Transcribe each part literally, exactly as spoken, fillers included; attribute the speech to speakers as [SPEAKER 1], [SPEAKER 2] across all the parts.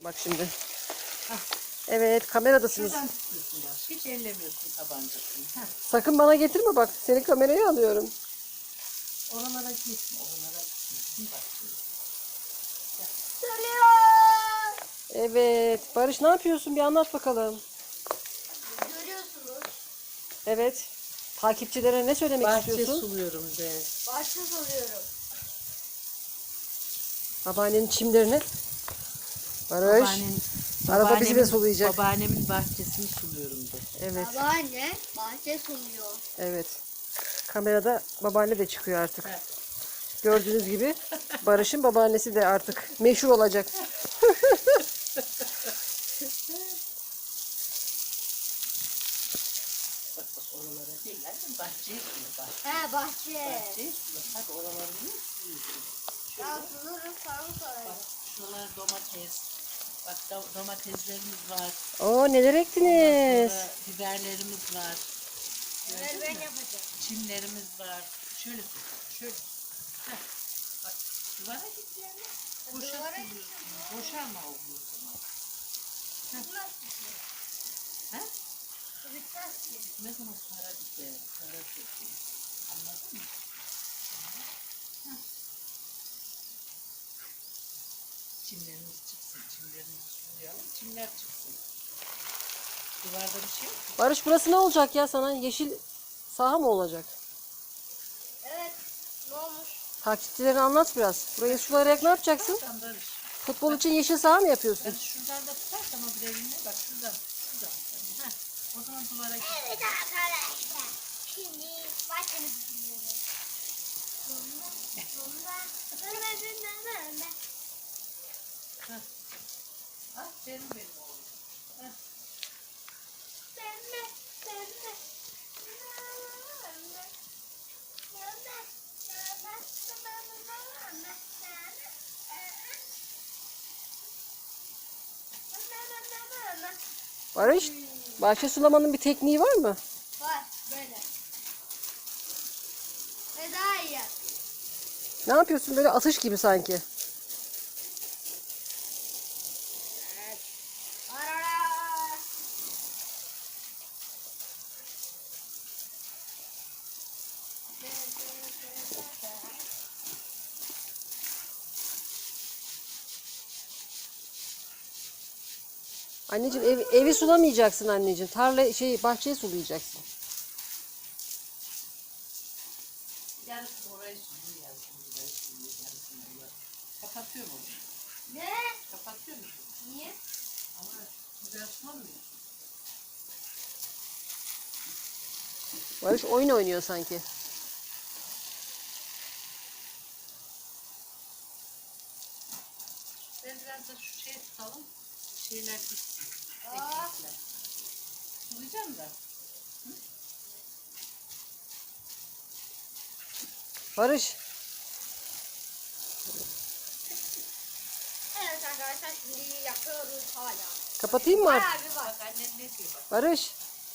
[SPEAKER 1] bak şimdi. Hah. Evet, kameradasınız.
[SPEAKER 2] Şuradan tutuyorsun bak. Hiç ellemiyorsun tabancasını. Heh.
[SPEAKER 1] Sakın bana getirme bak. Senin kamerayı alıyorum.
[SPEAKER 2] Oralara gitme. Oralara gitme. Bak şöyle.
[SPEAKER 1] Evet. Barış ne yapıyorsun? Bir anlat bakalım.
[SPEAKER 3] Görüyorsunuz.
[SPEAKER 1] Evet. Takipçilere ne söylemek
[SPEAKER 2] Bahçe
[SPEAKER 1] istiyorsun?
[SPEAKER 2] suluyorum de.
[SPEAKER 3] Bahçe soruyorum.
[SPEAKER 1] Babaannenin çimlerini. Barış.
[SPEAKER 2] Babaannemin,
[SPEAKER 1] Arada bizi de
[SPEAKER 2] babaannemin-
[SPEAKER 1] sulayacak.
[SPEAKER 2] Babaannemin bahçesini suluyorum de.
[SPEAKER 1] Evet.
[SPEAKER 3] Babaanne bahçe sunuyor.
[SPEAKER 1] Evet. Kamerada babaanne de çıkıyor artık.
[SPEAKER 2] Evet.
[SPEAKER 1] Gördüğünüz gibi Barış'ın babaannesi de artık meşhur olacak.
[SPEAKER 2] Bak bak oralara değil lan. Bahçeye sulu. Bahçe.
[SPEAKER 3] He bahçe.
[SPEAKER 2] Bahçeye sulu. Hadi oraları niye suluyorsun?
[SPEAKER 3] Ya sulurum sana sorarım.
[SPEAKER 2] Bak şuralar domates. Bak do- domateslerimiz var.
[SPEAKER 1] Oo, neler
[SPEAKER 2] Ondan
[SPEAKER 1] ektiniz?
[SPEAKER 2] sonra biberlerimiz var.
[SPEAKER 3] Bunları ben yapacağım.
[SPEAKER 2] Çimlerimiz var. Şöyle tut. Şöyle. Heh. Bak duvara git yani. Boşa
[SPEAKER 3] Duvara
[SPEAKER 2] suluyorsun. Boşalma oluyor o zaman.
[SPEAKER 3] Bitmez ki.
[SPEAKER 2] He?
[SPEAKER 3] Bu bitmez ki.
[SPEAKER 2] Ne zaman para biter? Para çekiyor. Anladın mı? Heh. Çimlerimiz çıksın. Çimlerimizi sulayalım. Çimler çıksın. Duvarda bir şey yok mu?
[SPEAKER 1] Barış, burası ne olacak ya sana? Yeşil saha mı olacak?
[SPEAKER 3] Evet. Ne olmuş?
[SPEAKER 1] Takipçilerine anlat biraz. Burayı sulayarak ne yapacaksın?
[SPEAKER 2] Sen Barış.
[SPEAKER 1] Futbol için yeşil saha mı yapıyorsun?
[SPEAKER 2] Barış şuradan da tutarsan o bir elinle bak şuradan. Şuradan. Heh. O zaman duvara git.
[SPEAKER 3] Evet arkadaşlar. Şimdi bahçemizi sunuyoruz. Sonunda, sonunda, dönmezinde dönme.
[SPEAKER 2] Aferin benim oğlum. Heh.
[SPEAKER 3] Dönme, dönme. Dönme. Dönme, dönme, dönme, dönme.
[SPEAKER 1] Barış, bahçe sulamanın bir tekniği var mı?
[SPEAKER 3] Var böyle. Ve daha iyi yap.
[SPEAKER 1] Ne yapıyorsun böyle atış gibi sanki?
[SPEAKER 3] Evet. Arara.
[SPEAKER 1] Anneciğim ev, evi sulamayacaksın anneciğim. Tarla şey bahçeyi sulayacaksın.
[SPEAKER 2] Yarısı orayı sürüyor, yarısını burayı sürüyor, yarısını burayı. Kapatıyor mu?
[SPEAKER 3] Ne?
[SPEAKER 2] Kapatıyor musun?
[SPEAKER 3] Niye?
[SPEAKER 2] Ama güzel sulamıyor.
[SPEAKER 1] Barış oyun oynuyor sanki.
[SPEAKER 2] Ben biraz da şu şey tutalım. Şeyler gitsin.
[SPEAKER 3] Aa.
[SPEAKER 2] Ekmekler. Sulayacağım da.
[SPEAKER 1] Barış,
[SPEAKER 3] Evet arkadaşlar şimdi yapıyoruz hala.
[SPEAKER 1] kapatayım mı artık?
[SPEAKER 3] Bayağı bir var.
[SPEAKER 2] Bak annen ne diyor bak.
[SPEAKER 1] Barış.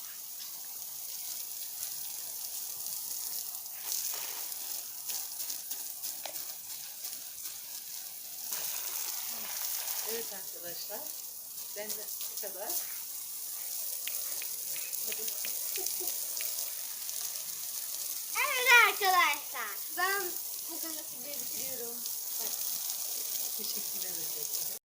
[SPEAKER 2] Evet arkadaşlar. Ben de bu kadar.
[SPEAKER 3] Evet arkadaşlar. Ben bugün de size bitiriyorum.
[SPEAKER 2] Teşekkür ederim.